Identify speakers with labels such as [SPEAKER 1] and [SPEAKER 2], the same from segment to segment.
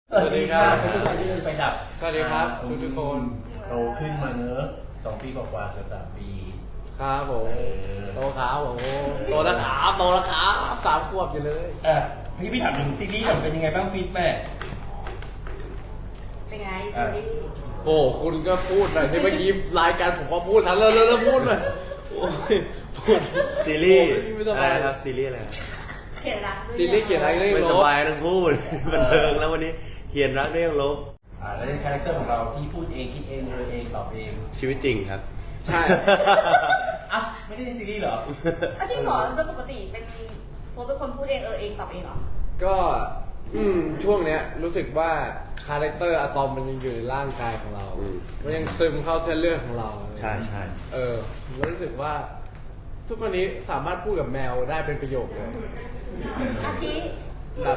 [SPEAKER 1] สวัสดีครับไม่ใช่ไปเดินไปดับ
[SPEAKER 2] สวัสดีครับทุกคน
[SPEAKER 1] โตขึ้นมาเนอะ2 ปีกว่าๆเกือบ3 ปี
[SPEAKER 2] ครับผมโตครับผมโตแล้วครับโตแล้วครับ3 ขวบอยู่เลย
[SPEAKER 1] พี่ถามถึงซีรีส์ก่อนเป็นยังไงบ้างฟีดแบ็ก
[SPEAKER 3] เป็นไงซีรีส์
[SPEAKER 2] โอ้คุณก็พูดหน่อยที่เมื่อกี้รายการผมก็พูดทั้งเลยแล้วพูดเลยพูด
[SPEAKER 4] ซีรีส์อะไรครับซีรีส์อะไร
[SPEAKER 3] เขียนรัก
[SPEAKER 2] ซีรีส์เขียนอะไรเรื่อง
[SPEAKER 4] ไม่
[SPEAKER 2] ล
[SPEAKER 4] ส
[SPEAKER 2] บ
[SPEAKER 4] บายทั้งพูดบันเทิงแล้ววันนี้เขียนรักได้ยังลบ
[SPEAKER 1] แล้วในคาแรคเตอร์ของเราที่พูดเองคิดเองเลยเองตอบเอง
[SPEAKER 4] ชีวิตจริงครับ
[SPEAKER 2] ใช่
[SPEAKER 1] ไม่ได้ในซีรีส์เหรอ
[SPEAKER 3] จริงเหรอโดยปกติเป็นโฟร์เป็นคนพูดเองเองตอบเองเหรอ
[SPEAKER 2] ก็ช่วงเนี้ยรู้สึกว่าคาแรคเตอร์อะตอมมันยังอยู่ในร่างกายของเรามันยังซึมเข้าเส้นเลือดของเรา
[SPEAKER 4] ใช่ใช่
[SPEAKER 2] รู้สึกว่าทุกวันนี้สามารถพูดกับแมวได้เป็นประโยคเลย
[SPEAKER 3] อาทิ
[SPEAKER 2] แบบ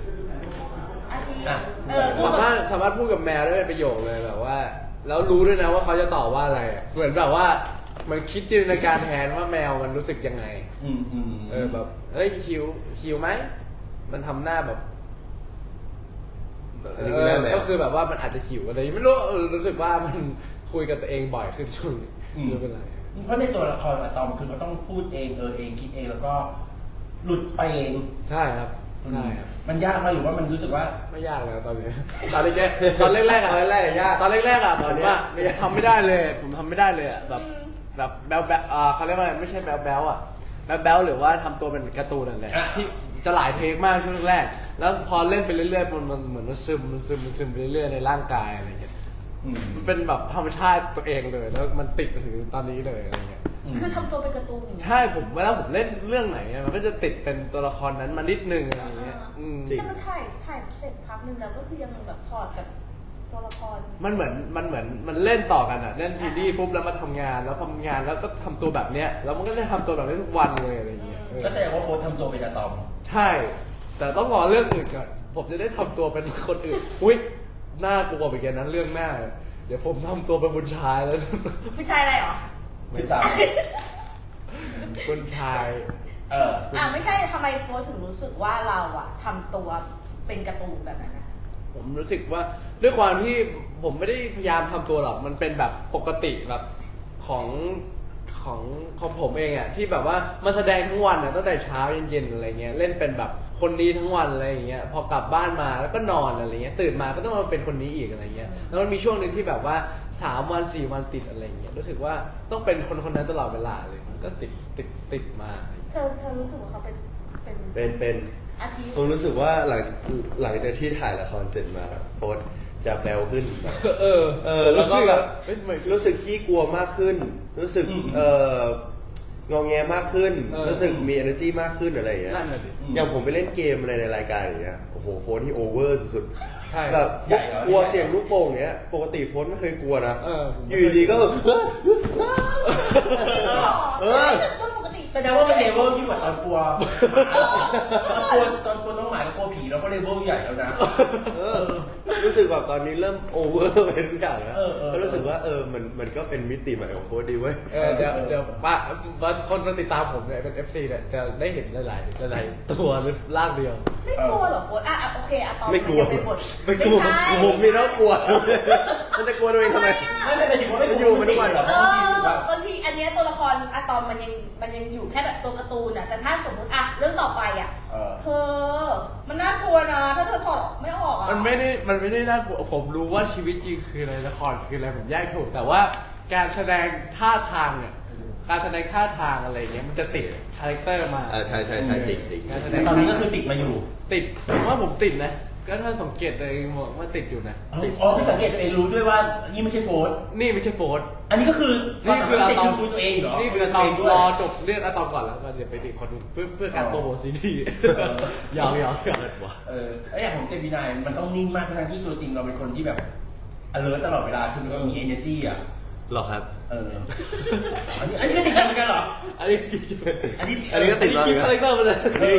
[SPEAKER 2] สามารถพูดกับแมวได้เป็นประโยคเลยแบบว่าแล้วรู้ด้วยนะว่าเขาจะตอบว่าอะไรเหมือนแบบว่ามันคิดจินตนาการแทนว่าแมวมันรู้สึกยังไงแบบเฮ้ยหิวไหมมันทำหน้าแบบก็คือแบบว่ามันอาจจะหิวอะไรไม่รู้รู้สึกว่ามันคุยกับตัวเองบ่อยขึ้นช่วงนี้ไม่เป็นไร
[SPEAKER 1] เพราะในตัวละครอะตอมคือเขาต้องพูดเองเองคิดเองแล้วก็หลุดไปเอง
[SPEAKER 2] ใช่ครับใช่ครับ
[SPEAKER 1] มันยากไหมหรือว่ามันรู้สึกว่า
[SPEAKER 2] ไม่ยากเลยตอนนี้ตอนแรกๆอ่ะตอนแรกๆอ่ะผมว่าทำไม่ได้เลยผมทำไม่ได้เลยอ่ะแบบแบ๊วเขาเรียกว่าไม่ใช่แบ๊วอ่ะแบ๊วหรือว่าทำตัวเป็นการ์ตูนนั่นแหละที่จะหลายเทคมากช่วงแรกแล้วพอเล่นไปเรื่อยๆมันเหมือนมันซึมไปเรื่อยๆในร่างกายอะไรเงี้ยมันเป็นแบบธรรมชาติตัวเองเลยแล้วมันติดมาถึงตอนนี้เลยอะไรเงี้ย
[SPEAKER 3] คือทำตัวเป็นการ์ตูน
[SPEAKER 2] ใช่ผมเวลาผมเล่นเรื่องไหนมันก็จะติดเป็นตัวละครนั้นมานิดนึงอะไรเงี้ย
[SPEAKER 3] แต่มันถ่ายเสร็จพักนึงแล้วก็คือยังแบบถอดกับตัวละคร
[SPEAKER 2] มันเหมือนมันเล่นต่อกันอ่ะเล่นซีรีส์ปุ๊บแล้วมาทำงานแล้วทำงานแล้วก็ทำตัวแบบเนี้ยแล้วมันก็จะทำตัวแบบนี้ทุกวันเลยอะไรเงี้ย
[SPEAKER 1] ก็แสดงว่าโฟร์ทำตัวเป็นอะตอม
[SPEAKER 2] ใช่แต่ต้องรอเรื่องอื่นก่อนผมจะได้ทำตัวเป็นคนอื่นอุ้ยน่ากลัวไปแกนั้นเรื่องหน้าเดี๋ยวผมทำตัวเป็นผู้ชายแล้ว
[SPEAKER 3] ผู้ชายอะไรหรอ
[SPEAKER 1] 13
[SPEAKER 2] คนชาย
[SPEAKER 3] ไม่ใช่ทำไมโฟร์ถึงรู้สึกว่าเราอะทำตัวเป็นการ์ตูนแบบนั้นนะ
[SPEAKER 2] ผมรู้สึกว่าด้วยความที่ผมไม่ได้พยายามทำตัวหรอกมันเป็นแบบปกติแบบของผมเองอะที่แบบว่ามาแสดงทั้งวันอะตั้งแต่เช้าเย็นๆอะไรเงี้ยเล่นเป็นแบบคนนี้ทั้งวันอะไรอย่างเงี้ยพอกลับบ้านมาแล้วก็นอนอะไรเงี้ยตื่นมาก็ต้องมาเป็นคนนี้อีกอะไรเงี้ยแล้วมันมีช่วงนึงที่แบบว่า3 วัน4 วันติดอะไรเงี้ยรู้สึกว่าต้องเป็นคนนั้นตลอดเวลาเลยก็ติดมา
[SPEAKER 3] เธอรู้สึกว่าเขา
[SPEAKER 4] เป็นผมรู้สึกว่าหลังจากที่ถ่ายละครเสร็จมาโพสจะแบวขึ้นแล้วก็แบบรู้สึกขี้กลัวมากขึ้นรู้สึกงอแงมากขึ้นรู้สึกมี energy มากขึ้นอะไรอย่างเงี้ยอย่างผมไปเล่นเกมอะไรในรายการอย่างเงี้ยโอ้โหโฟนที่โอเวอร์สุดๆแบบกลัวเสียงลูกโป่งเงี้ยปกติโฟนไม่เคยกลัวนะอยู่ดีก็แบบ
[SPEAKER 1] แสดงว่ามันเลเวลยิ่งกว่าตอนกลัวตอนกลัวน้องหมากับกลัวผีเราก็เลเวลใหญ่แล้วนะ
[SPEAKER 4] รู้สึกแบบตอนนี้เริ่มโอเวอร์เป็นทุกอย่างแล้วก็รู้สึกว่ามันก็เป็นมิติใหม่ของโค้ดดีเว้ย
[SPEAKER 2] เดี๋ยวคนมาติดตามผมเนี่ยเป็น FC เนี่ยจะได้เห็นหลายตัวหรือร่างเดียว
[SPEAKER 3] ไม่กลัวหรอโค้ดโอเคตอน
[SPEAKER 4] ไม่กลัวผมนี่แล้วกลัวมันจะกลัวตัวเองทำไม
[SPEAKER 1] ไม่ถึงว่าไม่
[SPEAKER 4] อยู่มันทุกวัน
[SPEAKER 3] บางทีอันนี้ตัวละครอะตอมมันยังอยู่แค่แบบตัวการ์ตูนอ่ะแต่ถ้าสมมติเรื่องต่อไปเธอมันน่ากลัวนะถ้าเธอถอดไม่ออก
[SPEAKER 2] มันไม่ได้น่ากลัวผมรู้ว่าชีวิตจริงคืออะไรละครคืออะไรผมแยกถูกแต่ว่าการแสดงท่าทางเนี่ยการแสดงท่าทางอะไรเงี้ยมันจะติดคาแรคเตอร์มา
[SPEAKER 4] ใช่จริง
[SPEAKER 1] ตอนนี้ก็คือติดมาอยู่
[SPEAKER 2] ติดผมว่าผมติดนะก็ถ้าสังเกตตัวเองว่าติดอยู่นะ
[SPEAKER 1] พี่สังเกตตัวเองรู้ด้วยว่านี่ไม่ใช่โฟร์
[SPEAKER 2] นี่ไม่ใช่โฟร์
[SPEAKER 1] อันนี้ก็คือ
[SPEAKER 2] อะ
[SPEAKER 1] ตอมตัวเองเหรอ
[SPEAKER 2] นี่คืออะตอมรอจบเรื่องอะตอมก่อนแล้วก็จะไปอีกคนนึงเพื่อการโปรโมทซีรีส์ยาว
[SPEAKER 1] อย่างของเจมินายมันต้องนิ่งมากทั้งที่ตัวจริงเราเป็นคนที่แบบ alert ตลอดเวลาคือมันมี energy
[SPEAKER 4] หรอครับ
[SPEAKER 1] อันนี้ก็ติดเหมือนกันเหรอ
[SPEAKER 2] อันนี้
[SPEAKER 4] ก็ติด
[SPEAKER 2] คิวคาแรคเตอร์มาเลย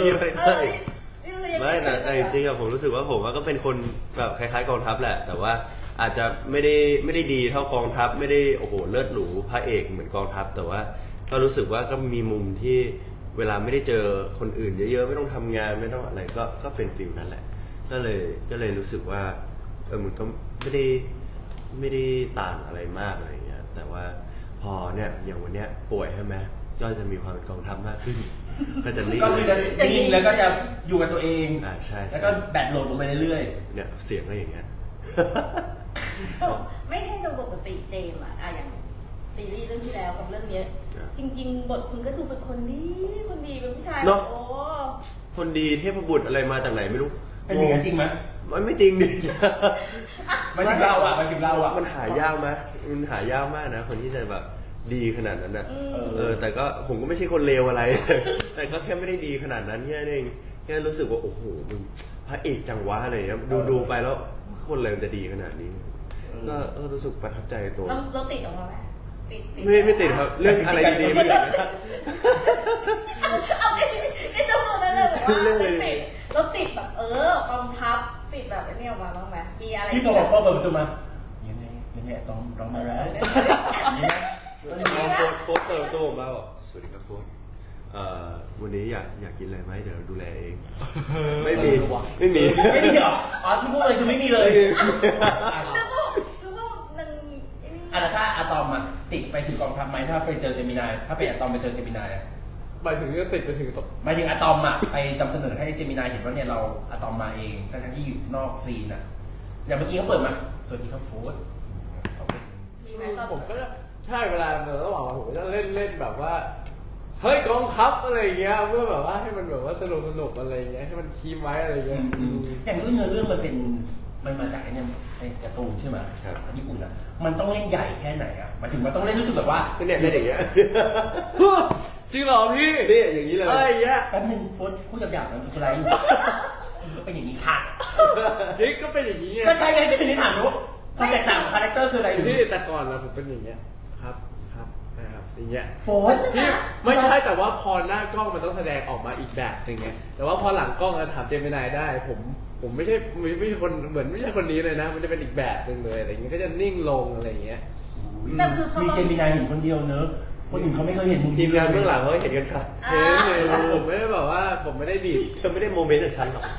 [SPEAKER 4] ไม่แต่จริงๆผมรู้สึกว่าผมก็เป็นคนแบบคล้ายๆกองทัพแหละแต่ว่าอาจจะไม่ได้ดีเท่ากองทัพไม่ได้โอ้โหเลิศหรูพระเอกเหมือนกองทัพแต่ว่าก็รู้สึกว่าก็มีมุมที่เวลาไม่ได้เจอคนอื่นเยอะๆไม่ต้องทำงานไม่ต้องอะไรก็เป็นฟิลนั่นแหละก็เลยรู้สึกว่ามันก็ไม่ได้ต่างอะไรมากอะไรอย่างเงี้ยแต่ว่าพอเนี่ยอย่างวันเนี้ยป่วยใช่ไหมก็จะมีความเป็นกองทัพมากขึ้น ก็จะนิ่ง
[SPEAKER 1] ก็คือจะนิ่งแล้วก็จะอยู่กับตัวเอง
[SPEAKER 4] ใช่
[SPEAKER 1] แล้วก็แบตโหลดลงไปเรื่อย
[SPEAKER 4] เนี่ยเสียงก็อย่างเงี้ย
[SPEAKER 3] ไม่ใช่โดยปกติเจมส์อะอย่างซีรีส์เรื่องที่แล้วกับเรื่องเนี้ยจริง ๆ บทคุณก็ดูเป็นคนดีเป็นผู้ชาย
[SPEAKER 4] เนอะ
[SPEAKER 3] โอ้
[SPEAKER 4] คนดีเทพบุตรอะไรมาจากไหนไม่รู้
[SPEAKER 1] ๆเป็นอย่างนั้นจริงไหม
[SPEAKER 4] มันไม่จริงดิ
[SPEAKER 1] ไม่ถึงเราอ่ะ
[SPEAKER 4] มันหายากไหมมันหายากมากนะ คนที่จะแบบดีขนาดนั้นนะแต่ก็ผมก็ไม่ใช่คนเลวอะไร แต่ก็แค่ไม่ได้ดีขนาดนั้นแค่นั้นเองแค่รู้สึกว่าโอ้โหมึงพระเอกจังวะอะไรอย่างเงี้ยดูไปแล้วคนเลวจะดีขนาดนี้ก็รู้สึกประทับใจตัว
[SPEAKER 3] เราติดออกมาไหมติด
[SPEAKER 4] ไม่ติดครับเรื่องอะไรดีๆไม่ติดนะ
[SPEAKER 3] เอาไอ้เจ้าตัวนั้นเลยบอกว่าติดเราติดแบบกองทัพติดแบบไอ้นี่ออกมาบ้างไหมมีอะไร
[SPEAKER 1] ที่พอบอกพ่อเปิดประตูมายังไงต้องร้องมาแล้ว
[SPEAKER 4] โค้ชเติมตัวมาบอกสวัสดีครับโค้ชวันนี้อยากกินอะไรไหมเดี๋ยวดูแลเอง ไม่มี
[SPEAKER 1] ไม่มีเหรออ๋อที่พูดเลยคือไม่มีเลย
[SPEAKER 3] แล้วก็มัน
[SPEAKER 1] แล้วถ้าอะตอมอะติดไปถึงกองทัพไหมถ้าไปเจอเจมินายถ้าเป็นอะตอมไปเจอเจมินายอะ
[SPEAKER 2] หมายถึงก็ติดไปถึง
[SPEAKER 1] หมายถึงอะตอมอะไปนำเสนอให้เจมินายเห็นว่าเนี่ยเราอะตอมมาเองทั้งที่อยู่นอกซีนอะอย่างเมื่อกี้เขาเปิดมาสวัสดีครับโฟร์เขาเป็น
[SPEAKER 3] มีไหมตอน
[SPEAKER 2] ผมก็ใช่เวลาระหว่างผมก็จะเล่นแบบว่าเฮ้ยกองทัพอะไรอย่างเงี้ยเพื่อแบบว่าให้มันแบบว่าสนุกอะไรอย่างเงี้ยให้มันคีมไว้อะไรอย่างเงี้ย
[SPEAKER 1] อย่างเนื้อเรื่องมันมาจากไอ้เนี่ยไอ้การ์ตูนใช่ไหมญี่ปุ่นอะมันต้องเล่นใหญ่แค่ไหนอะหมายถึงมันต้องเล่นรู้สึกแบบว่า
[SPEAKER 4] เนี่ยเล่นอย่างเงี้ย
[SPEAKER 2] จริงเหรอพี่
[SPEAKER 4] นี่อย่างนี้เลย
[SPEAKER 2] อะไรอย่างเงี้ย
[SPEAKER 1] แป๊บนึงโฟนพูดหยาบๆมันคืออะไรก็เป็นอย่างนี้ค่ะ
[SPEAKER 2] จริงก็เป็นอย่างนี้ไง
[SPEAKER 1] ก็ใช่ไงก็ถึงได้ถามรู้ความแตกต่างของคาแรคเตอร์คืออะไรหรือ
[SPEAKER 2] พี่แต่ก่อนเราผมเป็นอย่างเงี้ยครับนะครับอย่างเงี้ย
[SPEAKER 1] โฟน
[SPEAKER 2] พี่ไม่ใช่แต่ว่าพอหน้ากล้องมันต้องแสดงออกมาอีกแบบหนึงไงแต่ว่าพอหลังกล้องถามเจมินายได้ผมไม่ใช่คนเหมือนไม่ใช่คนนี้เลยนะ มันจะเป็นอีกแบบหนึ่งเลยอะไรอย่างเงี้ยก็จะนิ่งลงอะไรอย่างเงี้ย
[SPEAKER 3] แต่คือเขา
[SPEAKER 1] มีเจมินายเห็นคนเดียวเนอะคนอื่นเขาไม่เคยเห็นมุม
[SPEAKER 4] ทีมงานเบื้องหลังเขาเห็นกันค่ะ
[SPEAKER 2] เห็นผมไม่ได้แบบว่าผมไม่ได้ดีด
[SPEAKER 4] เธอไม่ได้โมเมนต์จากฉันหรอก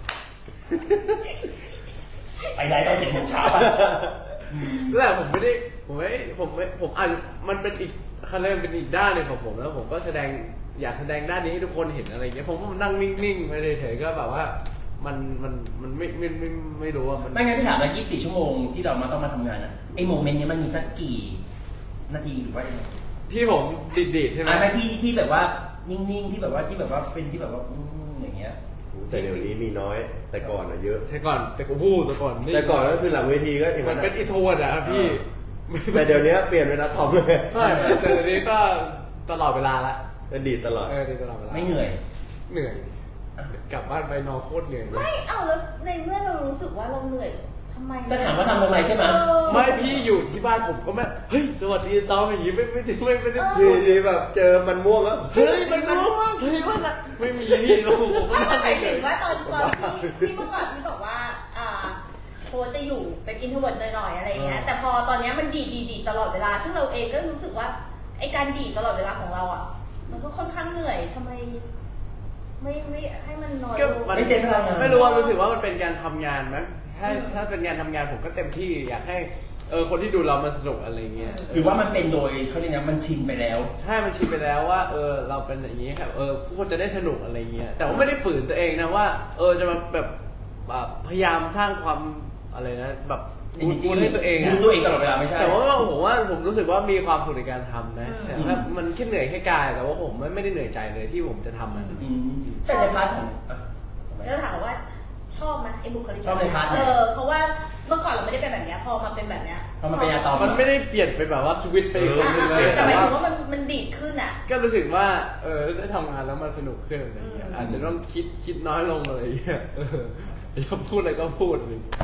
[SPEAKER 1] ไปได้ตอน7 โมงเช้าอะ
[SPEAKER 2] นั่นแหละผมอาจมันเป็นอีกคันเริ่มเป็นอีกด้านหนึ่งของผมแล้วผมก็อยากแสดงด้านนี้ให้ทุกคนเห็นอะไรอย่างเงี้ยผมก็นั่งนิ่งๆไปเฉยๆก็แบบว่ามันไม่รู้ว่ามัน
[SPEAKER 1] ไม่งั้นพี่ถามแล้ว24 ชั่วโมงที่เราต้องมาทำงานอะไอโมเมนต์นี้มันมีสักกี่นาทีหรือว่ายังไง
[SPEAKER 2] ที่ผมดีดใช่ไหม
[SPEAKER 1] ไม่ที่แบบว่านิ่งๆที่แบบว่าเป็นที่แบบว่าอย่างเงี้ย
[SPEAKER 4] แต่เดี๋ยวนี้มีน้อยแต่ก่อนอะเยอะ
[SPEAKER 2] ใช่ก่อนแต่กูพูดแต่ก่อนนี่
[SPEAKER 4] แต่ก่อนก็คือหลังเวทีก็อย่าง
[SPEAKER 2] มั
[SPEAKER 4] นั้น น
[SPEAKER 2] เป็นอินโทรเวิร์ดอะพี่
[SPEAKER 4] แต่เดี๋ยวนี้เปลี่ยนเป็นนักทอมเลย
[SPEAKER 2] ไม่แต่เดี๋ยวนี้ก็ตลอดเวลาละ
[SPEAKER 4] ดีดตลอด
[SPEAKER 2] ดีตลอดเวลา
[SPEAKER 1] ไม่เหนื่อย
[SPEAKER 2] เหนื่อยกลับบ้านไปนอนโคตรเหนื่อยเลย
[SPEAKER 3] ไม่เอาแล้วในเมื่อเรารู้สึกว่าเราเหนื่อยทำไม
[SPEAKER 1] ก็ถามว่าทำทำไมใช่ไหม
[SPEAKER 2] ไม่พี่อยู่ที่บ้านผมก็ไม่เฮ้ยสวัสดีตอนอย่างงี้ไม่ได้
[SPEAKER 4] ทีแบบเจอมันม่วงแล้ว
[SPEAKER 2] เฮ้ยมันรู้มากเฮ้ยมันอะไม่มีพี่เราผมก็
[SPEAKER 3] ไม่
[SPEAKER 2] นั่ง
[SPEAKER 3] หมาย
[SPEAKER 2] เฉ
[SPEAKER 3] ถึ
[SPEAKER 2] ย
[SPEAKER 3] งว่าตอนที่เมื่อก่อนที่บอกว่าโค้ชจะอยู่เป็นอินโทรเวิร์ตหน่อยๆอะไรเงี้ยแต่พอตอนนี้มันดีดตลอดเวลาซึ่งเราเองก็รู้สึกว่าไอการดีดตลอดเวลาของเราอ่ะมันก็ค่อนข้างเหนื่อยทำไมไม่ให้มันน้อยลง
[SPEAKER 1] ไม่เซ็นพลังงาน
[SPEAKER 2] ไม่รู้ว่ารู้สึกว่ามันเป็นการทำงานไหมถ้าเป็นงานทำงานผมก็เต็มที่อยากให้คนที่ดูเรามาสนุกอะไรเงี้ย
[SPEAKER 1] หรือว่ามันเป็นโดยเขาเรียกนะมันชินไปแล้ว
[SPEAKER 2] ใช่มันชินไปแล้วว่าเราเป็นอย่างนี้ครับผู้คนจะได้สนุกอะไรเงี้ยแต่ว่าไม่ได้ฝืนตัวเองนะว่าจะมาแบบพยายามสร้างความอะไรนะแบบพูดให้ตัวเองอะ
[SPEAKER 1] ดูตัวเองตลอดเวลาไม่ใช่
[SPEAKER 2] แต่ว่าผมรู้สึกว่ามีความสุขในการทำนะแต่ว่ามันแค่เหนื่อยแค่กายแต่ว่าผมไม่ได้เหนื่อยใจเลยที่ผมจะทำมัน
[SPEAKER 1] แต่ในพาร์ทของ
[SPEAKER 3] แล้วถามว่าชอบไหมไอ้บุคลิก
[SPEAKER 1] ชอบในพาร์ทไหน
[SPEAKER 3] เพราะว่าเมื่อก่อนเราไม่ได้เป็นแบบนี้พอมาเป็นแบบนี้
[SPEAKER 1] พอมาเป็นอะตอม
[SPEAKER 2] มันไม่ได้เปลี่ยนไปแบบว่าสวิตช์ไปอีกคนนึงเลย
[SPEAKER 3] แต่
[SPEAKER 2] แต่
[SPEAKER 3] หมาย
[SPEAKER 2] ว่า
[SPEAKER 3] ถึงว่ามันดีดขึ้นอ่ะ
[SPEAKER 2] ก็รู้สึกว่าได้ทำงานแล้วมันสนุกขึ้นอะไรเงี้ยอาจจะต้องคิดน้อยลงอะไรเงี้ยอยากพูดอะไรก็พูดอะไรเงี้ย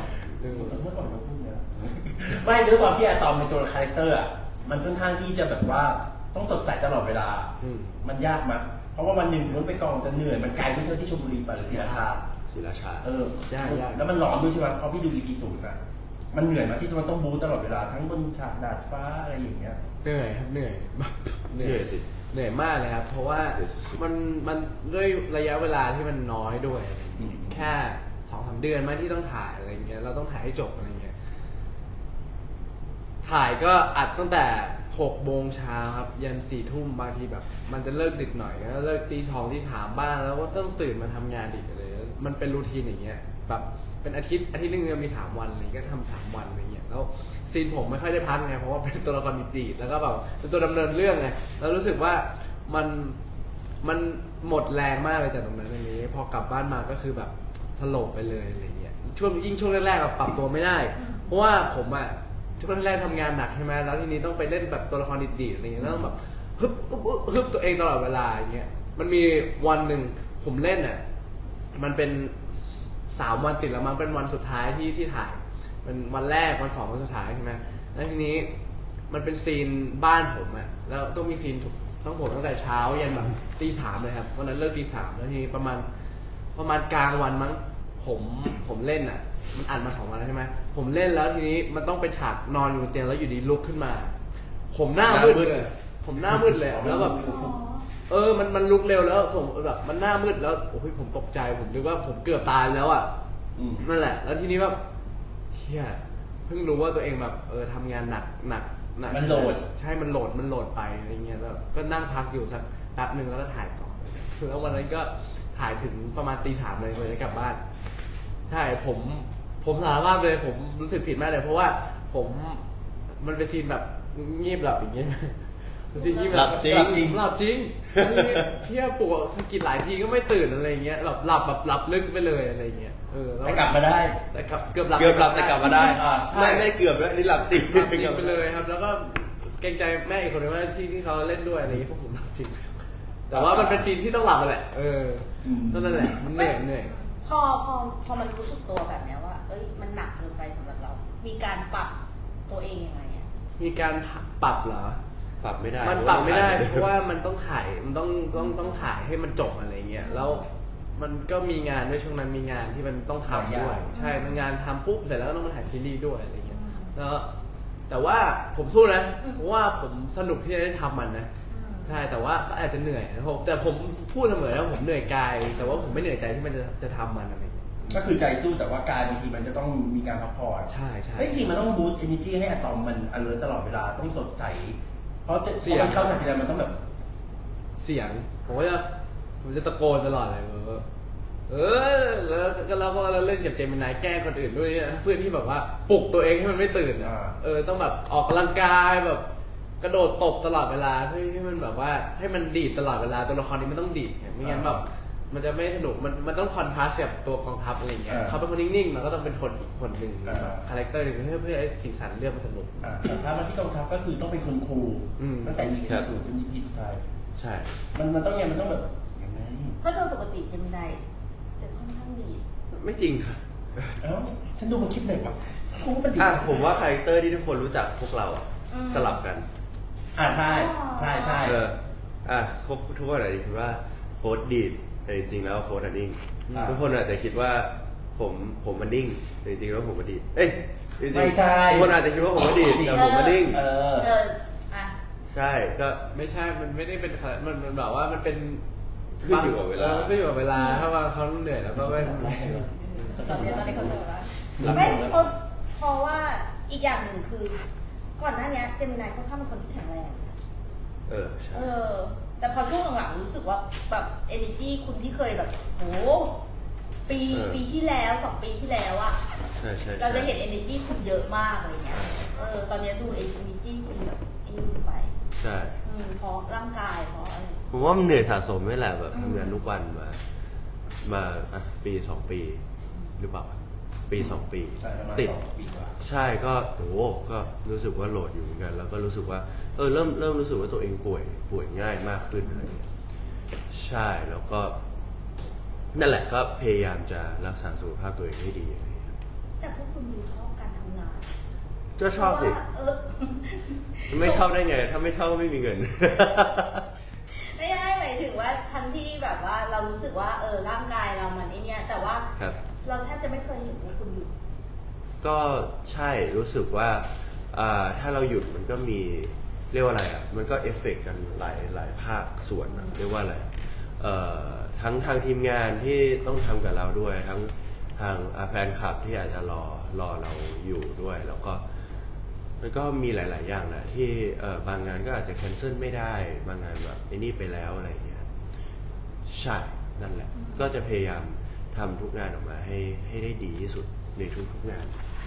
[SPEAKER 1] ไม่ด้วยความที่อะตอมเป็นตัวคาแรคเตอร์อ่ะมันค่อนข้างที่จะแบบว่าต้องสดใสตลอดเวลา มันยากมั้ยเพราะว่าวันหนึ่งสมมติไปกองจะเหนื่อยมันไกลไปเที่ยวที่ชลบุรีไปหรือศรีราชา
[SPEAKER 4] ศิลาชา
[SPEAKER 2] ยาก
[SPEAKER 1] แล้วมันร้อนด้วยใช่ไหมเพราะพี่ดู EP 0อ่ะมันเหนื่อยมากที่มันต้องบู๊ตลอดเวลาทั้งบนฉากดาดฟ้าอะไรอย่างเงี้ย
[SPEAKER 2] เหนื่อยครับเหนื่อย
[SPEAKER 4] เหนื่อยสิ
[SPEAKER 2] เหนื่อยมากเลยครับ เพราะว่ามันด้วยระยะเวลาที่มันน้อยด้วย แค่ 2-3 เดือนไหมที่ต้องถ่ายอะไรเงี้ยเราต้องถ่ายให้จบอะไรเงี้ยถ่ายก็อัดตั้งแต่6 โมงเช้าครับยัน4 ทุ่มบางทีแบบมันจะเลิกดึกหน่อยก็เลิกตี 2 ตี 3บ้างแล้วก็ต้องตื่นมาทำงานอีกเลยมันเป็นรูทีนอย่างเงี้ยแบบเป็นอาทิตย์นึงมี3 วันอะไรก็ทำ3 วันอะไรเงี้ยแล้วซีนผมไม่ค่อยได้พักไงเพราะว่าเป็นตัวละครดีๆแล้วก็แบบเป็นตัวดำเนินเรื่องไงแล้วรู้สึกว่ามันหมดแรงมากเลยจากตรงนั้นอย่างนี้พอกลับบ้านมาก็คือแบบสลบไปเลยอะไรเงี้ยช่วงแรกๆปรับตัวไม่ได้เพราะว่าผมช่วงแรกๆทำงานหนักใช่ไหมแล้วทีนี้ต้องไปเล่นแบบตัวละครดีๆอะไรเงี้ยต้องแบบฮึบตัวเองตลอดเวลาอย่างเงี้ยมันมีวันหนึ่งผมเล่นมันเป็น3 วันติดแล้วมันเป็นวันสุดท้ายที่ถ่ายเป็นวันแรกวัน2วันสุดท้ายใช่ไหมแล้วทีนี้มันเป็นซีนบ้านผมแล้วต้องมีซีนต้องผมตั้งแต่เช้ายันแบบตี 3เลยครับวันนั้นเลิกตี 3แล้วทีนี้ประมาณกลางวันมั้งผมเล่นมันอัดมา2 วันแล้วใช่ไหมผมเล่นแล้วทีนี้มันต้องเป็นฉากนอนอยู่บนเตียงแล้วอยู่ดีลุกขึ้นมาผมหน้ามืดเลยแล้วแบบมันลุกเร็วแล้วผมแบบมันหน้ามืดแล้วโอ้ยผมตกใจผมนึกว่าผมเกือบตายแล้วนั่นแหละแล้วทีนี้แบบเฮียเพิ่งรู้ว่าตัวเองแบบทำงานหนัก
[SPEAKER 1] มันโหลด
[SPEAKER 2] ใช่มันโหลดไปอะไรเงี้ยแล้วก็นั่งพักอยู่สักแป๊บนึงแล้วก็ถ่ายต่อแล้ววันนั้นก็ถ่ายถึงประมาณตี 3เลยจะกลับบ้านใช่ผมสารภาพเลยผมรู้สึกผิดมากเลยเพราะว่ามันเป็นซีนแบบงีบหลับอย่างเงี้ยซีนงีบ
[SPEAKER 4] หลับจริง
[SPEAKER 2] เพี้ยปลุกสะกิดหลายทีก็ไม่ตื่นอะไรเงี้ยหลับลึกไปเลยอะไรเงี้ย
[SPEAKER 1] แต่กลับมาได้
[SPEAKER 2] แต่เกือบหลับ
[SPEAKER 4] แต่กลับมาได้ไม่เกือบแล้วนี่หลับจริง
[SPEAKER 2] ไปเลยครับแล้วก็เกรงใจแม่อีกคนนึงว่าที่เขาเล่นด้วยอะไรเงี้ยพวกผมหลับจริงแต่ว่ามันเป็นซีนที่ต้องหลับแหละนั่นแหละมันเหนื่อย
[SPEAKER 3] พอมันรู้สึกตัวแบบนี้ว่ามันหนักเกินไปสำหรับเรามีการปรับตัวเองยังไง
[SPEAKER 2] มีการปรับเหรอ
[SPEAKER 4] ปรับไม่ได้
[SPEAKER 2] มันปรับไม่ได้เพราะว่ามันต้องถ่ายมันต้องถ่ายให้มันจบอะไรเงี้ยแล้วมันก็มีงานด้วยช่วงนั้นมีงานที่มันต้องทำด้วยใช่งานทำปุ๊บเสร็จแล้วต้องมาถ่ายซีรีส์ด้วยอะไรเงี้ยแล้วแต่ว่าผมสู้นะเพราะว่าผมสนุกที่จะได้ทำมันนะใช่แต่ว่าก็อาจจะเหนื่อยนะแต่ผมพูดเสมอแล้วผมเหนื่อยกายแต่ว่าผมไม่เหนื่อยใจที่มันจะทำมันอะไร
[SPEAKER 1] ก็คือใจสู้แต่ว่ากายบางทีมันจะต้องมีการพักผ่อน
[SPEAKER 2] ใช่
[SPEAKER 1] จริงมันต้องบูสต์ energy ให้อะตอมมัน alert ตลอดเวลาต้องสดใสเพราะมันเข้าฉากทีไรมันต้องแบบ
[SPEAKER 2] เสียงผมจะตะโกนตลอดเลยแล้วก็เราเล่นกับเจมินายแกล้งคนอื่นด้วยนะเพื่อที่แบบว่าปลุกตัวเองให้มันไม่ตื่นต้องแบบออกกำลังกายแบบกระโดดตบตลอดเวลาเพื่อให้มันแบบว่าให้มันดีดตลอดเวลาตัวละครนี้มันต้องดีดไม่งั้นแบบมันจะไม่สนุกมันต้องคอนทราสต์กับตัวกองทัพอะไรอย่างเงี้ยเขาเป็นคนนิ่งๆเราก็ต้องเป็นคนอีกคนหนึ่งคาแรคเตอร์หนึ่งเพื่อให้สีสันเรื่องมันสนุก
[SPEAKER 1] แต่ถ้ามาที่กองทัพก็คือต้องเป็นคนคูลตั้งแต่ EP 0จน EP สุดท้าย
[SPEAKER 2] ใช่
[SPEAKER 1] มันต้องมันต้องแบบยังไง
[SPEAKER 3] เพราะโดยปกติจะไม่ได้จะค่อนข้างดี
[SPEAKER 4] ไม่จริงค่ะ
[SPEAKER 1] ฉันดูมันคลิปไหนวะกูก็เป็นดี
[SPEAKER 4] ผมว่าคาแรคเตอร์ที่ทุกคนรู้จักพวกเราสลับกัน
[SPEAKER 1] ใช่
[SPEAKER 4] ทุกคนอาจจะคิดว่าโค้ดดีดแต่จริงๆแล้วโค้ดนิ่งทุกคนอาจจะคิดว่าผมมันนิ่งแต่จริงๆแล้วผมมันดีด
[SPEAKER 1] ไม่ใช่
[SPEAKER 4] ทุกคนอาจจะคิดว่าผมมันดีดแต่ผมมันนิ่งใช่ก็
[SPEAKER 2] ไม่ใช่มันไม่ได้เป็นมันแบบว่ามันเป็น
[SPEAKER 4] ขึ้นอยู่กับเวลา
[SPEAKER 2] ถ้าว่าเขาเหนื่อยแล้วก็ไม่
[SPEAKER 3] ตอนนี้เขาเจอแล้วไม่เพราะว่าอีกอย่างหนึ่งคือก่อนหน้านี้เจมินายค่อนข้างเป็นคนที่แข็งแรง
[SPEAKER 4] ใช่
[SPEAKER 3] แต่พอช่วงหลังๆรู้สึกว่าแบบ energy คุณที่เคยแบบโหปีที่แล้ว2 ปีที่แล้วอ่ะเราจะเห็น energy คุณเยอะมากอะไรเงี้ยตอนนี้ดู energy คุณแบบไป
[SPEAKER 4] ใช่
[SPEAKER 3] เพราะร่างกายเพราะอะไร
[SPEAKER 4] ผมว่ามันเหนื่อยสะสมไม่แหละแบบทำงานทุกวันมาปี2 ปีหรือเปล่าปี2 ปีติดใช่ก็ก็รู้สึกว่าโหลดอยู่เหมือนกันแล้วก็รู้สึกว่าเริ่มรู้สึกว่าตัวเองป่วยง่ายมากขึ้นอะไรอย่างเงี้ยใช่แล้วก็นั่นแหละก็พยายามจะรักษาสุขภาพตัวเองให้ดีอะไรอย่างเงี้ย
[SPEAKER 3] แต่พวกคุณมีชอบการทำงาน
[SPEAKER 4] ก็ชอบสิไม่ชอบได้ไงถ้าไม่ชอบก็ไม่มีเงิน
[SPEAKER 3] ไม่ได้หมายถึงว่าทันที่แบบว่าเรารู้สึกว่าร่างกายเรามันเนี่ยแต่ว่าเราแทบจะไม่เคยเห็นพวกคุณหยุด
[SPEAKER 4] ก็ใช่รู้สึกว่าถ้าเราหยุดมันก็มีเรียกว่าอะไรมันก็เอฟเฟกต์กันหลายภาคส่วนเรียกว่าอะไรทั้งทางทีมงานที่ต้องทำกับเราด้วยทั้งทางแฟนคลับที่อาจจะรอเราอยู่ด้วย แล้วก็มันก็มีหลาย ๆ อย่างแหละที่บางงานก็อาจจะแคนเซิลไม่ได้บางงานแบบไอ้นี่ไปแล้วอะไรอย่างเงี้ยใช่นั่นแหละก็จะพยายามทำทุกงานออกมาให้ได้ดีที่สุดในทุกงาน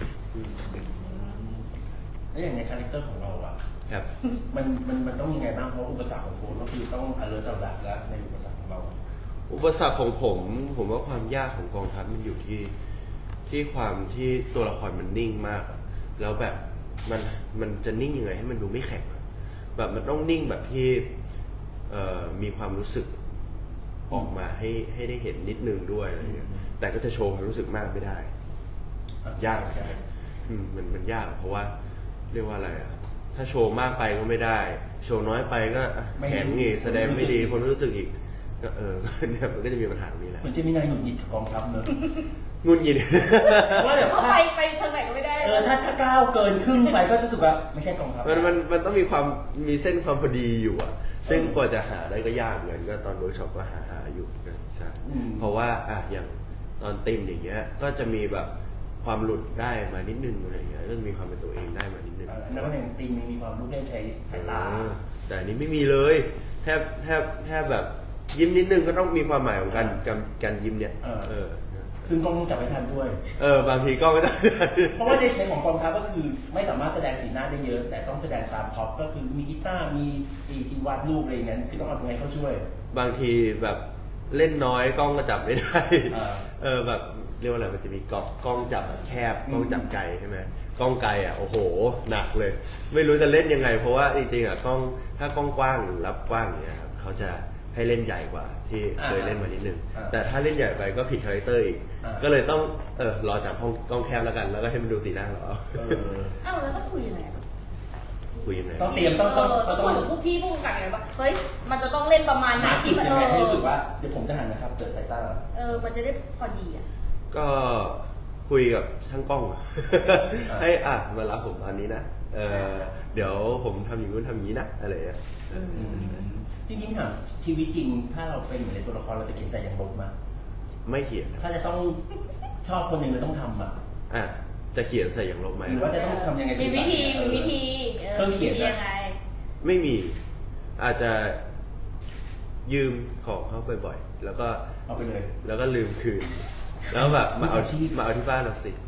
[SPEAKER 1] แล้วอย่างในคาแรคเตอร์ของเราอ่ะ
[SPEAKER 4] ครับ
[SPEAKER 1] มันต้องยังไงบ้างเพราะอุปสรรคของโฟนก็คือต้องalert ต่อดักแล้วในอุปสรรคของเรา
[SPEAKER 4] อุปสรรคของผมว่าความยากของกองทัพมันอยู่ที่ความที่ตัวละครมันนิ่งมากอะแล้วแบบมันจะนิ่งยังไงให้มันดูไม่แข็งอะแบบมันต้องนิ่งแบบที่มีความรู้สึกออกมาให้ได้เห็นนิดนึงด้วยอะไรเงี้ยแต่ก็จะโชว์ความรู้สึกมากไม่ได้ยากใช่มันยากเพราะว่าเรียกว่าอะไรอะถ้าโชว์มากไปก็ไม่ได้โชว์น้อยไปก็แข็งอีกแสดงไม่ดีคนรู้สึกอีกก็เนี่ยมันก็จะมีปัญหาตรงนี้แหละ
[SPEAKER 1] เหมือนจะมีนายหนุนหงิดกับกองทัพเนอะ
[SPEAKER 4] งุนยิน
[SPEAKER 1] ว่าแบบ
[SPEAKER 3] เพราะไปทางไหนก็ไม่ได้
[SPEAKER 1] ถ้าก้าวเกินครึ่งไปก็จะรู้สึกว่าไม่ใช่กองทัพ
[SPEAKER 4] มันต้องมีเส้นความพอดีอยู่อ่ะซึ่งกว่าจะหาได้ก็ยากเหมือนก็ตอนเวิร์กช็อปก็หาอยู่กันใช่เพราะว่าอย่างตอนติมอย่างเงี้ยก็จะมีแบบความหลุดได้มานิดนึงอะไรเงี้ยก็มีความเป็นตัวเองได้มานิดนึง
[SPEAKER 1] อันนั้นว่าอย่างติมมีความลูกเล่นใช้สายตา
[SPEAKER 4] แต่อันนี้ไม่มีเลยแทบแบบยิ้มนิดนึงก็ต้องมีความหมายของการยิ้มเนี่ย
[SPEAKER 1] ซึ่งกล้องต้องจับไว้ทันด้วย
[SPEAKER 4] บางทีกล้องก็จะ
[SPEAKER 1] เพราะว่าในของกองทัพก็คือไม่สามารถแสดงสีหน้าได้เยอะ แต่ต้องแสดงตามท็อปก็คือมีกีตาร์มีที่วาดรูปอะไรอย่างนั้นคือต้องเอาตรงไหนเข้าช่วย
[SPEAKER 4] บางทีแบบเล่นน้อยกล้องก็จับไม่ได้แบบเรียกว่าอะไรมันจะมีกล้องจับแบบแคบกล้องจับไกลใช่ไหมกล้องไกลโอ้โหหนักเลย ไม่รู้จะเล่นยังไงเพราะว่าจริงๆกล้องถ้ากล้องกว้างหรือรับกว้างเนี่ยครับเขาจะให้เล่นใหญ่กว่าที่เคยเล่นมานิดนึงแต่ถ้าเล่นใหญ่ไปก็ผิดคาแรคเตอร์อีกก็เลยต้องรอจับกล้องแคบแล้วกันแล้วก็ให้มันดูสีหน้าเรา
[SPEAKER 3] แล้วต้องคุยยังไง
[SPEAKER 4] คุยยังไง
[SPEAKER 1] ต้องเตรียมต้อง
[SPEAKER 3] พวกพี่พวกกันไงว่าเฮ้ยมันจะต้องเล่นประมาณไหน
[SPEAKER 1] ที่มันให้รู้สึกว่าเดี๋ยวผมจะหันนะครับเกิดสายตา
[SPEAKER 3] มันจะได้พอดี
[SPEAKER 4] ก็คุยกับช่างกล้องให้มารับผมตอนนี้นะเดี๋ยวผมทำอย่างนู้นทำอย่างนี้นะอะไรอย่างเงี้ย
[SPEAKER 1] จริงๆถามชีวิตจริงถ้าเราเป็นเหมือนในตัวละครเราจะเขียนใส่อย่างลบมา
[SPEAKER 4] ไม่เขียน
[SPEAKER 1] ถ้าจะต้องชอบคนหนึ่งเราต้องทำ
[SPEAKER 4] จะเขียนใส่อย่างลบไหม
[SPEAKER 1] หรือว่าจะต้องทำยังไง
[SPEAKER 3] มีวิธี
[SPEAKER 1] เครื่องเขียน
[SPEAKER 3] ยังไง
[SPEAKER 4] ไม่มีอาจจะยืมของเขาบ่อยๆแล้วก็
[SPEAKER 1] เอาไปเลย
[SPEAKER 4] แล้วก็ลืมคืนแล้วแบบมาเอาที่บ้านเราสิ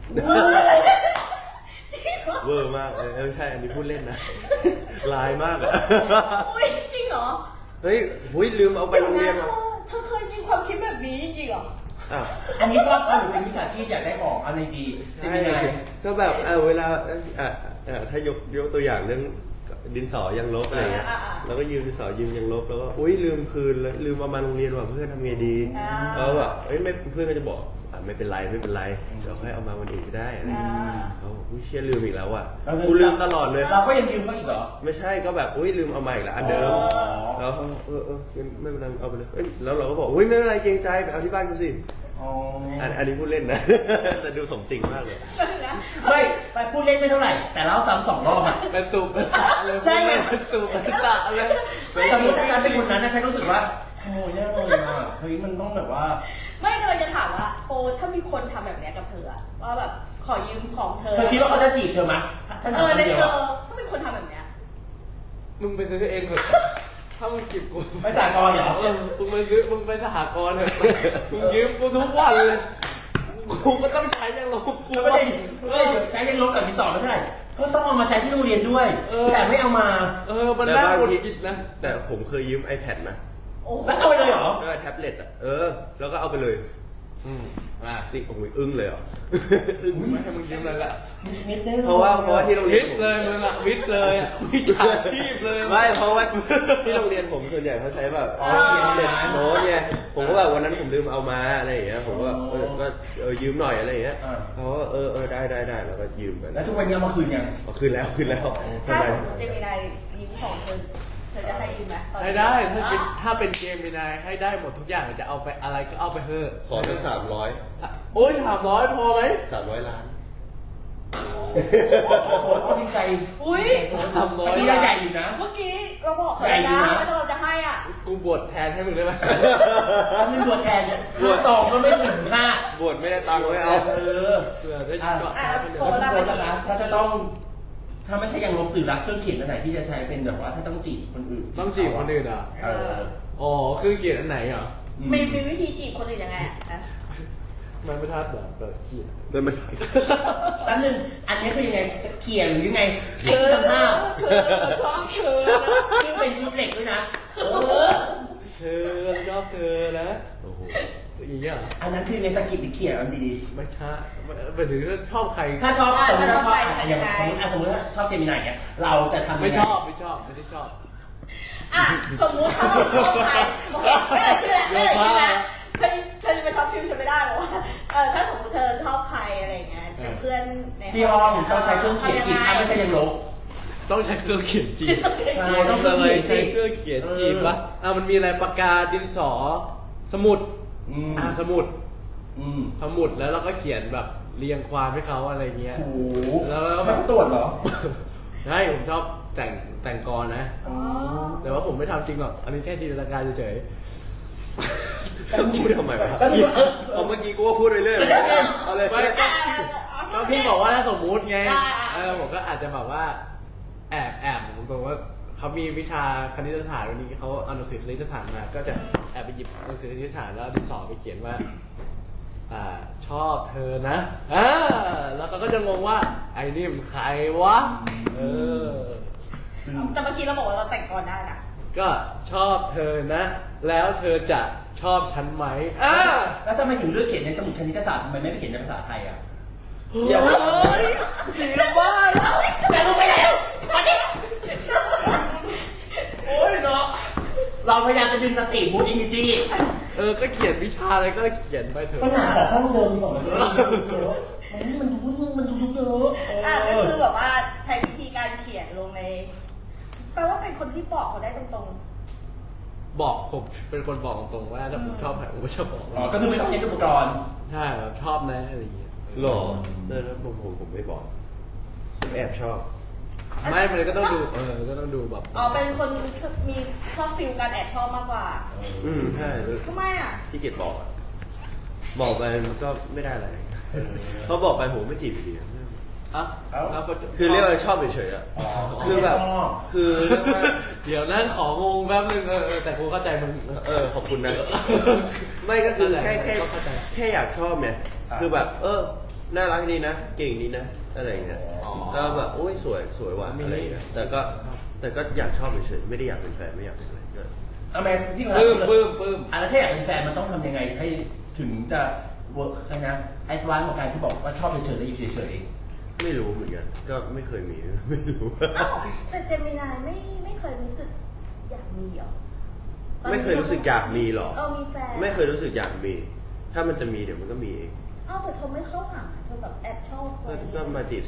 [SPEAKER 4] เวอร์มากไม่ใช่อันนี้พูดเล่นนะลายมาก
[SPEAKER 3] จริงเหรอ
[SPEAKER 4] เฮ้ยลืมเอาไปโรงเรียน
[SPEAKER 3] เธอเคยมีความคิดแบบนี้จริงเหรอ
[SPEAKER 1] อันนี้ชอบเขาหรือเป็นวิชาชีพอยากได้ของอันนี้ดี
[SPEAKER 4] ใช่ก็แบบเวลาถ้ายกตัวอย่างเรื่องดินสอยังลบอะไรเงี้ยแล้วก็ยืมดินสอยืมยังลบแล้วก็ลืมคืนเลยลืมเอามาโรงเรียนว่ะเพื่อนทำไงดีแล้วแบบไม่เพื่อนก็จะบอกไม่เป็นไรเดี๋ยวค่อยเอามาวันอื่นก็ได้อะไรเขาเชื่อลืมอีกแล้วอ่ะกูลืมตลอดเลย
[SPEAKER 1] เราก็ยังยืมเขาอีกเหรอ
[SPEAKER 4] ไม่ใช่ก็แบบลืมเอามาอีกแล้วอันเดิมแล้วไม่เป็นไรเอาไปเลยแล้วเราก็บอกไม่เป็นไรเกรงใจไปเอาที่บ้านกูสิอันนี้พูดเล่นนะแต่ดูสมจริงมากเลย
[SPEAKER 1] ไม่ไปพูดเล่นไม่เท่าไหร่แต่เราซ้ำ2 รอบอ่ะ
[SPEAKER 2] เป็นตุกเป็นตะเลย
[SPEAKER 1] ใช่ไง
[SPEAKER 2] เป็นตุกเป็นตะเลย
[SPEAKER 1] สมมติถ้าการเป็นคนนั้นนะฉันรู้สึกว่าขโมยแน่เลยอ่ะเฮ้ยมันต้องแบบว่า
[SPEAKER 3] ไม่ก็เลยจะถามว่าถ้ามีคนทำแบบนี้กับเธอว่าแบบขอยืมของเธอ
[SPEAKER 1] คิดว่าเขาจะจีบเธอไหม
[SPEAKER 3] ถ้าถามคนเดียวถ้ามีคนทำแบบนี้
[SPEAKER 2] มึงไปซื้อเองเถอะถ้ามึงจีบกู
[SPEAKER 1] ไปสหกรณ์เหรอ
[SPEAKER 2] มึงไปสหกรณ์เถอะมึงยืมกูทุกวันเลยกูก็ต้องใช้ยังลบกู
[SPEAKER 1] ไม่ได้ใช้ยังลบกับที่สอนไม่เท่าไหร่ก็ต้องเอามาใช้ที่โรงเรียนด้วยแต่ไม่เอามา
[SPEAKER 2] มันน่าหงุดหงิดนะ
[SPEAKER 4] แต่ผมเคยยืม iPad นะ
[SPEAKER 1] แล้วเอาไปเลยเหรอ
[SPEAKER 4] ก็แท็บเล็ตแล้วก็เอาไปเลยจริงโอ้ยอึ้งเลยเหรอ
[SPEAKER 2] ไม่ให้มึงยืมเลยละ
[SPEAKER 4] เพราะว่าที่โรงเรียน
[SPEAKER 2] วิทย์เลยมึงอะวิทย์เลยวิชาชีพเลย
[SPEAKER 4] ไม่เพราะว่าที่โรงเรียนผมส่วนใหญ่เขาใช้แบบแท็บเล็ตโน้ตไงผมก็แบบวันนั้นผมลืมเอามาอะไรอย่างเงี้ยผมก็ยืมหน่อยอะไรอย่างเงี้ยเขาได้แล้วก็ยืมไป
[SPEAKER 1] แล้วทุกวันนี้เอามาคืนยัง
[SPEAKER 4] คืนแล้ว
[SPEAKER 3] ถ้าสมมติจะมีอะไรยืมของเธอจะให้ยืมไหม
[SPEAKER 2] ให้ได้ถ้าเป็นเกมมีนายให้ได้หมดทุกอย่างจะเอาไปอะไรก็เอาไปเถอะ
[SPEAKER 4] ขอสัก300
[SPEAKER 2] โอ้ย300พอไหม
[SPEAKER 4] 300 ล้าน
[SPEAKER 1] โอ้โหดีใจ
[SPEAKER 3] อุ้ย
[SPEAKER 2] ทำน้อย
[SPEAKER 1] ที่ใหญ่อยู่นะ
[SPEAKER 3] เมื่อกี้เราบอกเขาแล้วนะว่าเราจะให้อ่ะ
[SPEAKER 2] กูบวชแทนให้มึงได้ไหม
[SPEAKER 1] เงินบวชแทนเนี่ยซองก็ไม่ถึงค่า
[SPEAKER 4] บวชไม่ได้ตังค์ไม่เอา
[SPEAKER 1] เออ
[SPEAKER 2] เพื่อได้เกาะ
[SPEAKER 3] โฟน
[SPEAKER 1] แล้วโฟนนะคะถ้าจะต้อง ถ้าไม่ใช่ยังลบสื่อรักเครื่องเขียนอันไหนที่จะใช้เป็นแบบว่าถ้าต้องจีบคนอื่น
[SPEAKER 2] ต้องจีบคนอื่นอ่ะ
[SPEAKER 1] เออ
[SPEAKER 2] อ๋อคือเขียนอันไหนอ่ะ
[SPEAKER 3] มีวิธีจีบคนอื่นยังไงอ่ะ
[SPEAKER 2] มันไม่ทัดแบบเขียน
[SPEAKER 4] เลยมัน
[SPEAKER 1] แป๊บนึงอันนี้คือยังไงเขียนหรือยังไงไอ้ที่ทำหน้า
[SPEAKER 2] ชอบเธอ
[SPEAKER 1] ซึ่งเป็นฟุตเหล็กด้วยนะเออ
[SPEAKER 2] เธอชอบเธอนะ
[SPEAKER 4] โอ้โห
[SPEAKER 2] อย่างเงี้ย
[SPEAKER 1] อันนั้นคือในสกิปหรือเขียนอันดี
[SPEAKER 2] ไม่ใช่ไปถึงชอบใคร
[SPEAKER 1] ๆถ้าชอบสมมติถ้าชอบอย่างสมมติถ้าชอบเจมินายเนี่ยเราจะทำยังไง
[SPEAKER 2] ไม่ชอบไม่ได้ชอบ
[SPEAKER 3] อ่ะสมมุติถ้าเราชอบใครโอเคไม่เอ่ยชื่อแล้วไม่เอ่ยชื่อแล้วเธอจะไปท็อปฟิลฉันไม่ได้หรอว่าถ้าสมมติเธอชอบใครอะไรเงี้ยเป็นเพื่อนใน
[SPEAKER 1] ที่ห้องต้องใช้เครื่องเขียนจีบถ้าไม่ใช่ยังลบ
[SPEAKER 2] ต้องใช้เครื่องเขียนจีบ
[SPEAKER 1] ใช่ต้องเครื่องเขียนสิ
[SPEAKER 2] ใช้เครื่องเขียนจีบปะมันมีอะไรปากกาดินสอสมุดสมุดแล้วเราก็เขียนแบบเรียงความให้เขาอะไรเงี้ย
[SPEAKER 1] โอ้โห
[SPEAKER 2] แล้ว
[SPEAKER 1] แบบตรวจเหรอ
[SPEAKER 2] ใช่ผมชอบแต่งกรนะ แต่ว่าผมไม่ทำจริงหรอกอันนี้แค่จินตนาการเฉย
[SPEAKER 4] พูดทำไมวะเอาเมื่อกี้กูก็พูดเรื่อยๆเอาเลย
[SPEAKER 2] ไม่ก็พี่บอกว่าถ้าสมมุติไงผมก็อาจจะแบบว่าแอบสมมติว่าเขามีวิชาคณิตศาสตร์วันนี้เขาเอาหนังสือคณิตศาสตร์มาก็จะแอบไปหยิบหนังสือคณิตศาสตร์แล้วดินสอไปเขียนว่าชอบเธอนะแล้วเขาก็จะงงว่าไอ้นี่มันใครวะ
[SPEAKER 3] แต่เมื่อกี้เราบอกว่าเราแต่งก่อนได้นะ
[SPEAKER 2] ก็ชอบเธอนะ แล้วเธอจะชอบฉันไหม
[SPEAKER 1] แล้วทำไมถึงเลือกเขียนในสมุดคณิตศาสตร์ทำไมไม่ไปเขียนในภาษาไทยอ่ะ
[SPEAKER 4] อย่าบอก
[SPEAKER 2] ผีละบ้า
[SPEAKER 1] แต่รู้ไปแล้วตอนนี้โอ้ยเนาะเราพยายามจะดึงสติบูตอินดิจี
[SPEAKER 2] ก็เขียนวิชาอะไรก็เขียนไปเถอะ
[SPEAKER 1] ปัญหาขอห้องเดิมดีกว่ามันดูเยอะ
[SPEAKER 3] ก็คือแบบว่าใช้วิธีการเขียนลงในแปลว่าเป็นคนที่บอกเขาได้ตรง
[SPEAKER 2] บอกผมเป็นคนบอกตรงๆว่าถ้าผมชอบใครผมก็จะบอก
[SPEAKER 1] อ๋อก็คือไม่ต้องเน้นอุปกรณ์
[SPEAKER 2] ใช่แบบชอบนะอะไรอย่างเงี้ย
[SPEAKER 4] หรอแล้วผมไม่บอกผมแอบชอบ
[SPEAKER 2] ไม่มันก็ต้องดูก็ต้องดูแบบ
[SPEAKER 3] เป็นคนมีชอบฟิลการแอบชอบมากกว่า
[SPEAKER 4] ใช่เลย
[SPEAKER 3] ทำไมอ่ะ
[SPEAKER 4] ที่เกียจบอกไปมันก็ไม่ได้อะไรเขาบอกไปผมไม่จีบอยู่ดี
[SPEAKER 2] แล้วก็
[SPEAKER 4] คือเรียกว่าชอบเฉยๆอ่ะคือแบบคือเรียกว่า
[SPEAKER 2] เดี๋ยวนั่งของงแป๊บนึงแต่กูเข้าใจมึง
[SPEAKER 4] ขอบคุณนะไม่ก็คือแค่อยากชอบเนี่ยคือแบบน่ารักดีนะเก่งดีนะอะไรอย่างเงี้ยแล้วแบบโอ้ยสวยว่ะอะไรอย่างเงี้ยแต่ก็อยากชอบเฉยๆไม่ได้อยากเป็นแฟนไม่อยากเป็นอะไรก็
[SPEAKER 1] แม่พี่
[SPEAKER 2] ปลื้ม
[SPEAKER 1] แล้วถ้าอยากเป็นแฟนมันต้องทำยังไงให้ถึงจะเวิร์กใช่ไหมไอ้ตัวร้านของการที่บอกว่าชอบเฉยๆแล้วอยู่เฉย
[SPEAKER 4] ไม่รู้เหมือนกันก็ไม่เคยมีไม่รู้
[SPEAKER 3] แต่เจมินายไม่เคยรู้สึกอยากมีหรอ
[SPEAKER 4] ไม่เคยรู้สึกอยากมีหรอ
[SPEAKER 3] มีแฟน
[SPEAKER 4] ไม่เคยรู้สึกอยากมี ถ้ามันจะมีเดี๋ยวมันก็มีเอง
[SPEAKER 3] แต่เธอไม่เข้าหาเธอแบบแอบชอบคน
[SPEAKER 4] ก็มาจีบสิ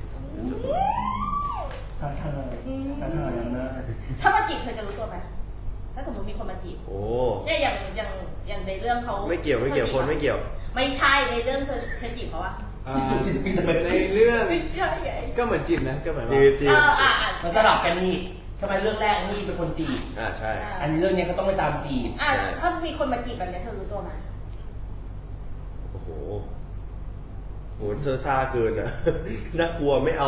[SPEAKER 1] ๆท้าทายอย่างนั้น
[SPEAKER 3] ถ้ามาจีบเธอจะรู้ตัวไหมถ้าสมมติมีคนมาจีบ
[SPEAKER 4] โอ้
[SPEAKER 3] เนี่ยอย่างในเรื่องเขา
[SPEAKER 4] ไม่เกี่ยวคนไม่เกี่ยว
[SPEAKER 3] ไม่ใช่ในเรื่องเธอจีบเขาอะ
[SPEAKER 2] ในเรื่อง
[SPEAKER 3] ไม่ใช่ไง
[SPEAKER 2] ก็เหมือนจีบนะก็เหมือน
[SPEAKER 4] จี
[SPEAKER 2] ว่า
[SPEAKER 4] บ
[SPEAKER 1] มันสลับกันนี่ทำไมเรื่องแรกนี่เป็นคนจีบ
[SPEAKER 4] ใช่
[SPEAKER 1] อันนี้เรื่องนี้เขาต้องไปตามจีบ
[SPEAKER 3] ถ้ามีคนมาจีบแบบนี้เธอรู้ตัวไหม
[SPEAKER 4] โอ้โหโหเซอร์ซ่าเกินอ่ะ น่ากลัวไม่เอา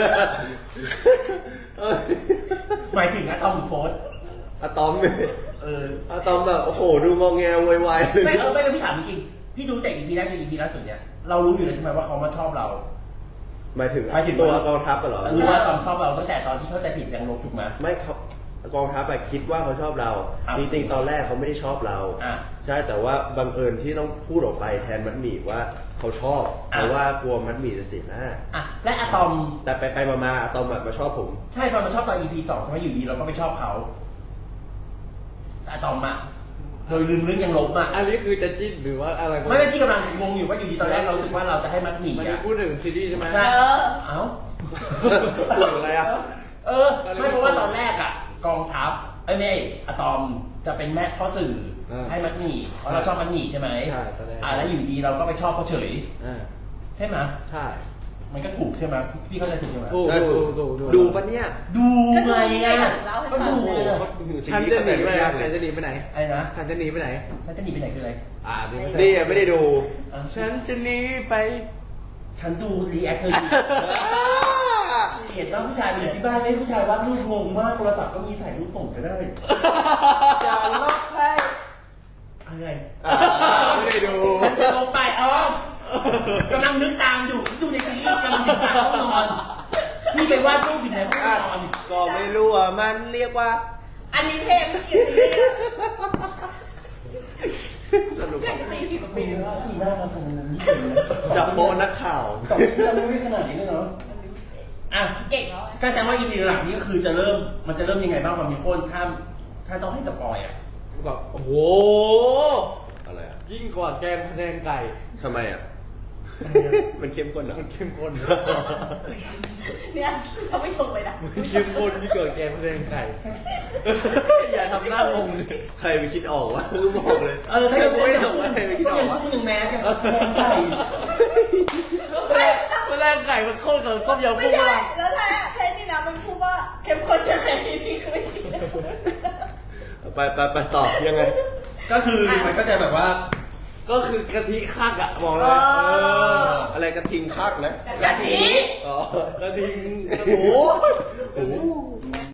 [SPEAKER 1] หมายถึงอะตอมโฟส
[SPEAKER 4] อะตอมอะตอมแบบโอ้โหดูงอแงวายๆ
[SPEAKER 1] ไม่ก็พี่ถามจริงพี่ดูแต่ EP แรกกับ EP ล่าสุดเนี่ยเรารู้อยู่แล้วใช่ไหมว่าเขามาชอบเรา
[SPEAKER 4] หมายถึงตัวกองทัพเหรอ
[SPEAKER 1] รู้ว่าตอนชอบเราตั้งแต่ตอนที่เข้าใจผิดยังลบถูกไหม
[SPEAKER 4] ไม่เขากองทัพคิดว่าเขาชอบเราจริงๆตอนแรกเขาไม่ได้ชอบเราใช่แต่ว่าบังเอิญที่ต้องพูดออกไปแทนมัดหมี่ว่าเขาชอบเพราะว่ากลัวมัดหมี่จะเสียหน้า
[SPEAKER 1] และอะตอม
[SPEAKER 4] แต่ไปมาอะตอมมาชอบผม
[SPEAKER 1] ใช่มาชอบตอน EP 2ใช่ไหมอยู่ดีเราก็ไปชอบเขาอะตอมอะโดยลืมเรื่องยังลบอ่ะ
[SPEAKER 2] อันนี้คือจะจิ้นหรือว่าอะไร
[SPEAKER 1] ไม่พี่กำลังงงอยู่ว่าอยู่ดีตอนแรกเราคิดว่าเราจะให้มัดหมี่อ่ะ
[SPEAKER 2] พูดถึงซีรีส์ใช่ไหม
[SPEAKER 1] เอ้า
[SPEAKER 4] พูดอะไรอ่ะ
[SPEAKER 1] ไม่เพราะว่าตอนแรกอ่ะกองทัพไม่อะตอมจะเป็นแม่พ่อสื่อให้มัดหมี่เพราะเราชอบมัดหมี่ใช่ไหมแล้วอยู่ดีเราก็ไปชอบเขาเฉยใช่ไหม
[SPEAKER 2] ใช่
[SPEAKER 1] มันก็ถูกใช่ไหมพี่เข้าใจถูกใช่ไหม
[SPEAKER 2] ถูก
[SPEAKER 4] ดูปะเนี่ย
[SPEAKER 1] ดูไงอ่ะ
[SPEAKER 3] ก็
[SPEAKER 1] ก็
[SPEAKER 3] ดู
[SPEAKER 1] ดู
[SPEAKER 3] ไง
[SPEAKER 1] เลย
[SPEAKER 2] ฉันจะหนีไปไหนฉันจะหนีไปไหน
[SPEAKER 1] ไอ้นะ
[SPEAKER 2] ฉันจะหนีไปไหน
[SPEAKER 1] ฉันจะหนีไปไหนคืออะไร
[SPEAKER 4] นี่ยังไม่ได้ดู
[SPEAKER 2] ฉันจะหนีไป
[SPEAKER 1] ฉันดูรีแอคเธออยู่เห็นว่าผู้ชายไปอยู่ที่บ้านไม่ผู้ชายวาดรูปงงมากโทรศัพท์ก็มีถ่ายรูปส่งก็ได้
[SPEAKER 4] จะลบให้
[SPEAKER 1] อะไร
[SPEAKER 4] ไม่ได้ดู
[SPEAKER 1] ฉันจะลงไปกำลังนึกตามอยู่ดูในซีรีส์กำลังถึงฉากห้องนอนที่ไปวาดรูปอยู่ในห้องนอน
[SPEAKER 4] ก็ไม่รู้ว่ามันเรียกว่า
[SPEAKER 3] อันนี้เทมเกี่ยวกับ
[SPEAKER 4] สนุก
[SPEAKER 3] ตีผิดปีแล้ว
[SPEAKER 1] มีหน้ามาขนาดนั้นนี่เลยนะ
[SPEAKER 4] จับโปนักข่าว
[SPEAKER 1] สองที่เราไม่ขนาดนี้เลยเนาะอ่ะ
[SPEAKER 3] เก่งแล้ว
[SPEAKER 1] ก็แสดงว่าอีพีหลังนี้ก็คือจะเริ่มมันจะเริ่มยังไงบ้างมันมีโค้นถ้าต้องให้สปอยอ่ะ
[SPEAKER 2] แบบโอ้โห
[SPEAKER 4] อะไรอ่ะ
[SPEAKER 2] ยิ่งกว่าแกงพะแนงไก่
[SPEAKER 4] ทำไมอ่ะ มันเข้มข้นนะ
[SPEAKER 2] มันเข้มข้น
[SPEAKER 3] เนี่ยเขาไม่ชมเลยนะ
[SPEAKER 2] มันเข้มข้นที่เกิดแกงพะแนงไก่ อย่าทำหน้างงเลย
[SPEAKER 4] ใครไปคิดออกวะคือบอกเลย
[SPEAKER 1] ถ้า
[SPEAKER 4] กูไม่ส่งว่าใครไปคิดออกวะ
[SPEAKER 1] พูดถึงแมสเนี่ยใส่
[SPEAKER 2] พะแนงไก่มันเข้ากับต้มยำ
[SPEAKER 3] ไม่
[SPEAKER 2] กุ้ง
[SPEAKER 3] ใช่
[SPEAKER 2] ละ
[SPEAKER 3] แล้วแท้แท้นี่นะมันพูดว่าเข้มข้นจะไหนนี่ก็ไม่คิดเลย
[SPEAKER 4] ไปตอบยังไง
[SPEAKER 1] ก็คือมันก็จะแบบว่า
[SPEAKER 2] ก็คือกะทิคักอะบอกเลย
[SPEAKER 4] อะไรกระทิงคักนะ
[SPEAKER 3] กะทิ
[SPEAKER 4] อ๋อก
[SPEAKER 2] ระทิงโอ้โห
[SPEAKER 4] โอ้โห